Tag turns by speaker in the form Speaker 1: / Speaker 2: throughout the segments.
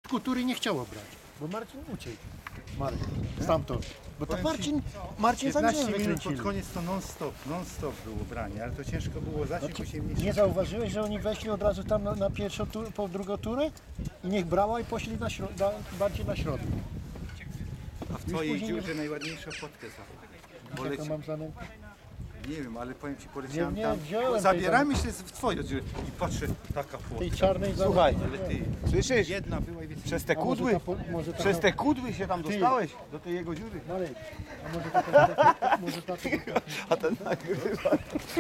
Speaker 1: Tury nie chciało brać, bo Marcin uciekł. Marek, stamtąd. Bo to Marcin za
Speaker 2: 15
Speaker 1: mnie
Speaker 2: minut
Speaker 1: wykręcili.
Speaker 2: pod koniec to non-stop było branie, ale to ciężko było zacząć, bo się
Speaker 1: Nie zauważyłeś, że oni weszli od razu tam na pierwszą turę, po drugą turę i niech brała i poszli bardziej na środek.
Speaker 2: A w twojej
Speaker 1: później
Speaker 2: dziurze najładniejsza fotkę za.
Speaker 1: Jaką mam za nim?
Speaker 2: Nie wiem, ale powiem ci, poleciałem
Speaker 1: Nie,
Speaker 2: tam,
Speaker 1: wziąłem
Speaker 2: zabieramy się w twoją dziurę i patrzę, taka fotka.
Speaker 1: Tej czarnej za
Speaker 3: Słuchaj,
Speaker 2: Ale ty,
Speaker 3: słyszysz?
Speaker 2: jedna była i więcej.
Speaker 3: Przez te kudły? Przez te kudły się tam dostałeś do tej jego dziury.
Speaker 1: Marek, a może tato
Speaker 3: A ten nagrywa.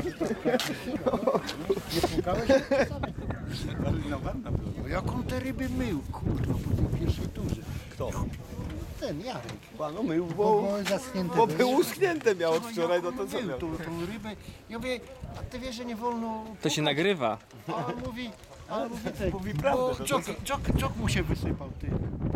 Speaker 1: nie płukałeś?
Speaker 2: No wanna była.
Speaker 1: No jak on te ryby mył, kurwa, po tej pierwszej turze.
Speaker 3: Kto?
Speaker 1: Ten Jarek.
Speaker 3: No mył,
Speaker 1: Bo zaschnięte
Speaker 3: bo
Speaker 1: były.
Speaker 3: był uschnięte miał od wczoraj, no to co
Speaker 1: mył
Speaker 3: miał?
Speaker 1: tą rybę. Ja mówię, a ty wiesz, że nie wolno...
Speaker 4: To się nagrywa.
Speaker 1: A on mówi, tak,
Speaker 3: Mówi prawdę,
Speaker 1: bo
Speaker 3: no to
Speaker 1: Jok mu się wysypał, ty.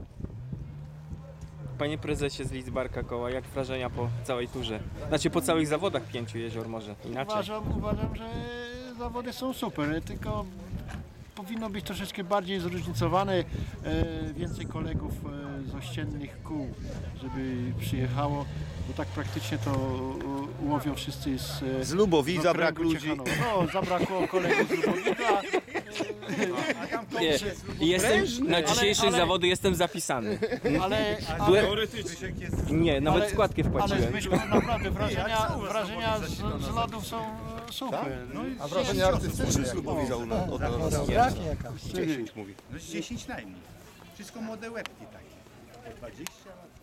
Speaker 4: Panie prezesie z Lidzbarka Koła, jak wrażenia po całej turze? Znaczy po całych zawodach Pięciu Jezior może inaczej.
Speaker 1: Uważam, że zawody są super, tylko powinno być troszeczkę bardziej zróżnicowane, więcej kolegów z ościennych kół, żeby przyjechało, bo tak praktycznie to łowią wszyscy
Speaker 3: Z Lubowidza
Speaker 1: okręgu
Speaker 3: brak ludzi.
Speaker 1: Ciechanowa. No, zabrakło kolegów z Lubowidza.
Speaker 4: Na dzisiejszych zawody jestem zapisany.
Speaker 1: Ale
Speaker 4: Nie, nawet
Speaker 1: Ale-
Speaker 4: składkę
Speaker 1: ale
Speaker 4: wpłaciłem.
Speaker 1: Zbyszku, naprawdę wrażenia z lodów są super.
Speaker 2: No i
Speaker 3: A wrażenie artystyczne z Lubowidza od nas.
Speaker 2: 10 mówi. No z 10 najmniej. Wszystko młode łebki takie. Po 20 lat.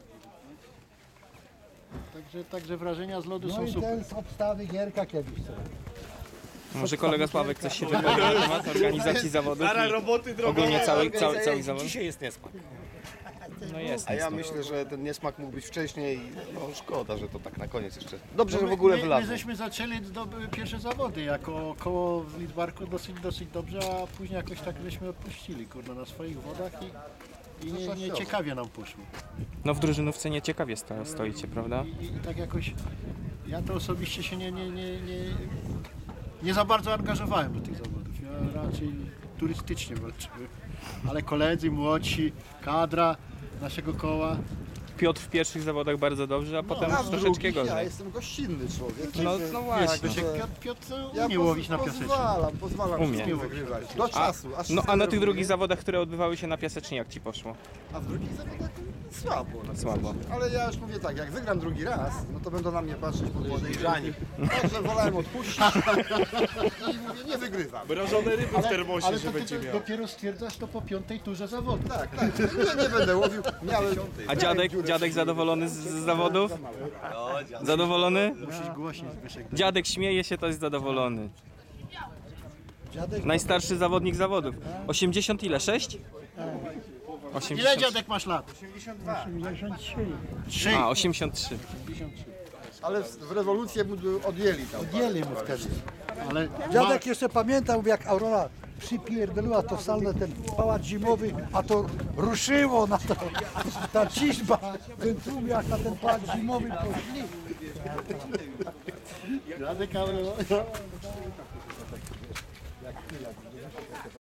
Speaker 1: Także wrażenia z lodu
Speaker 5: No
Speaker 1: są
Speaker 5: i
Speaker 1: super.
Speaker 5: ten z obstawy Gierka kiedyś sobie.
Speaker 4: Może kolega Sławek coś się wypowie na temat organizacji zawodów i ogólnie całych zawodów?
Speaker 3: Dzisiaj jest niesmak.
Speaker 4: No jest.
Speaker 3: A ja myślę, że ten niesmak mógł być wcześniej. No szkoda, że to tak na koniec jeszcze. Dobrze, że w ogóle
Speaker 1: My
Speaker 3: wylazło.
Speaker 1: żeśmy zaczęli pierwsze zawody jako koło w Lidzbarku dosyć dobrze, a później jakoś tak żeśmy odpuścili, kurde, na swoich wodach i nie ciekawie nam poszło.
Speaker 4: No w drużynówce nieciekawie stoicie, prawda?
Speaker 1: I tak jakoś, ja to osobiście się nie za bardzo angażowałem do tych zawodów. Ja raczej turystycznie walczyłem, ale koledzy młodsi, kadra naszego koła.
Speaker 4: Piotr w pierwszych zawodach bardzo dobrze, a potem już troszeczkę
Speaker 5: Ja
Speaker 4: gorzej.
Speaker 5: jestem gościnny człowiek.
Speaker 4: No właśnie.
Speaker 1: Piotr umie łowić na piaseczniku.
Speaker 5: Pozwalam
Speaker 4: Umie.
Speaker 5: wszystkim wygrywać. Do czasu. Aż
Speaker 4: No a na tych
Speaker 5: robię.
Speaker 4: drugich zawodach, które odbywały się na piasecznie, jak ci poszło?
Speaker 5: A w drugich zawodach słabo.
Speaker 4: Słabo.
Speaker 5: Ale ja już mówię tak, jak wygram drugi raz, no to będą na mnie patrzeć podejrzani. Także wolałem odpuścić i mówię, nie wygrywam.
Speaker 3: Mrożone ryby w termosie,
Speaker 1: Ale to ty dopiero stwierdzasz to po piątej turze zawodu.
Speaker 5: Tak, nie będę łowił. Miałem...
Speaker 4: A dziadek zadowolony z zawodów? Zadowolony?
Speaker 1: Musisz głośniej, Zbyszek.
Speaker 4: Dziadek śmieje się, to jest zadowolony.
Speaker 5: Dziadek
Speaker 4: Najstarszy zawodnik zawodów. 80 ile? 6? 80.
Speaker 1: Ile dziadek masz lat? 3.
Speaker 4: A, 83.
Speaker 5: Ale w rewolucję mu odjęli tam.
Speaker 1: Dzieli mu wtedy. Ale
Speaker 6: Dziadek jeszcze pamiętał, jak Aurora przypierdoliła to salne, ten pałac zimowy, a to ruszyło na to, ta ciżba, ten tłum jak na ten pałac zimowy poszli.
Speaker 1: dziadek